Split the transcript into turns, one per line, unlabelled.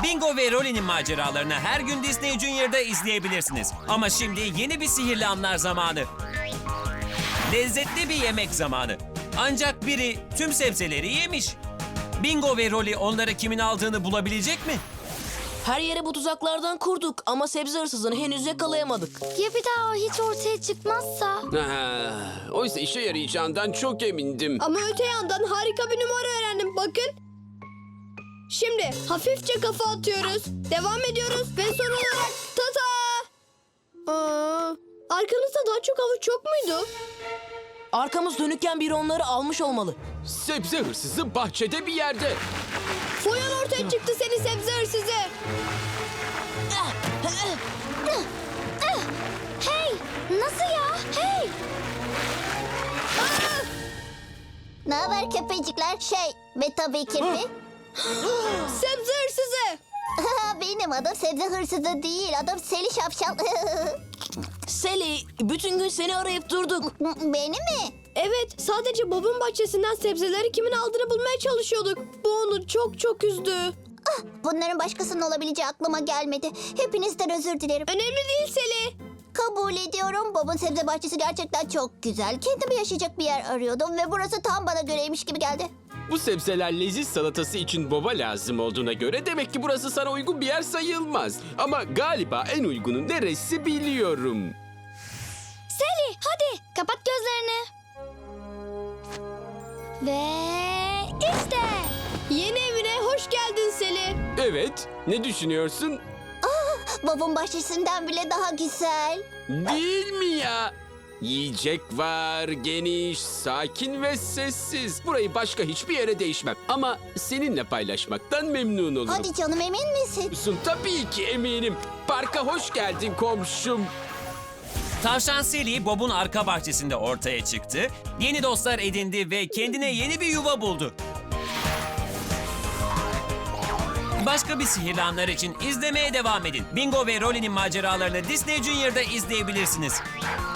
Bingo ve Rolly'nin maceralarını her gün Disney Junior'da izleyebilirsiniz. Ama şimdi yeni bir sihirli anlar zamanı. Lezzetli bir yemek zamanı. Ancak biri tüm sebzeleri yemiş. Bingo ve Rolly onları kimin aldığını bulabilecek mi?
Her yere bu tuzaklardan kurduk ama sebze hırsızını henüz yakalayamadık.
Ya bir daha o hiç ortaya çıkmazsa?
Oysa işe yarayacağından çok emindim.
Ama öte yandan harika bir numara öğrendim. Bakın. Şimdi hafifçe kafa atıyoruz. Devam ediyoruz ve son olarak tata. Arkanızda daha çok havuç yok muydu?
Arkamız dönükken biri onları almış olmalı.
Sebze hırsızı bahçede bir yerde.
Foyan ortaya çıktı seni sebze hırsızı.
Hey! Nasıl ya? Hey!
Ne haber köpecikler? Ve tabii kirpi.
Sebze hırsızı.
Benim adım sebze hırsızı değil. Adım Seli Şapşal.
Sally, bütün gün seni arayıp durduk.
Beni mi?
Evet, sadece Bob'un bahçesinden sebzeleri kimin aldığını bulmaya çalışıyorduk. Bu onu çok çok üzdü.
Bunların başkasının olabileceği aklıma gelmedi. Hepinizden özür dilerim.
Önemli değil Seli.
Kabul ediyorum. Bob'un sebze bahçesi gerçekten çok güzel. Kendime yaşayacak bir yer arıyordum ve burası tam bana göreymiş gibi geldi.
Bu sebzeler leziz salatası için Bob'a lazım olduğuna göre demek ki burası sana uygun bir yer sayılmaz. Ama galiba en uygunu neresi biliyorum.
Sally hadi kapat gözlerini. Ve işte.
Yeni evine hoş geldin Seli.
Evet, ne düşünüyorsun?
Bob'un bahçesinden bile daha güzel.
Değil mi ya? Yiyecek var, geniş, sakin ve sessiz. Burayı başka hiçbir yere değişmem. Ama seninle paylaşmaktan memnun olurum.
Hadi canım, emin misin?
Tabii ki eminim. Parka hoş geldin komşum.
Tavşan Sally, Bob'un arka bahçesinde ortaya çıktı. Yeni dostlar edindi ve kendine yeni bir yuva buldu. Başka bir sihirli anlar için izlemeye devam edin. Bingo ve Rolly'nin maceralarını Disney Junior'da izleyebilirsiniz.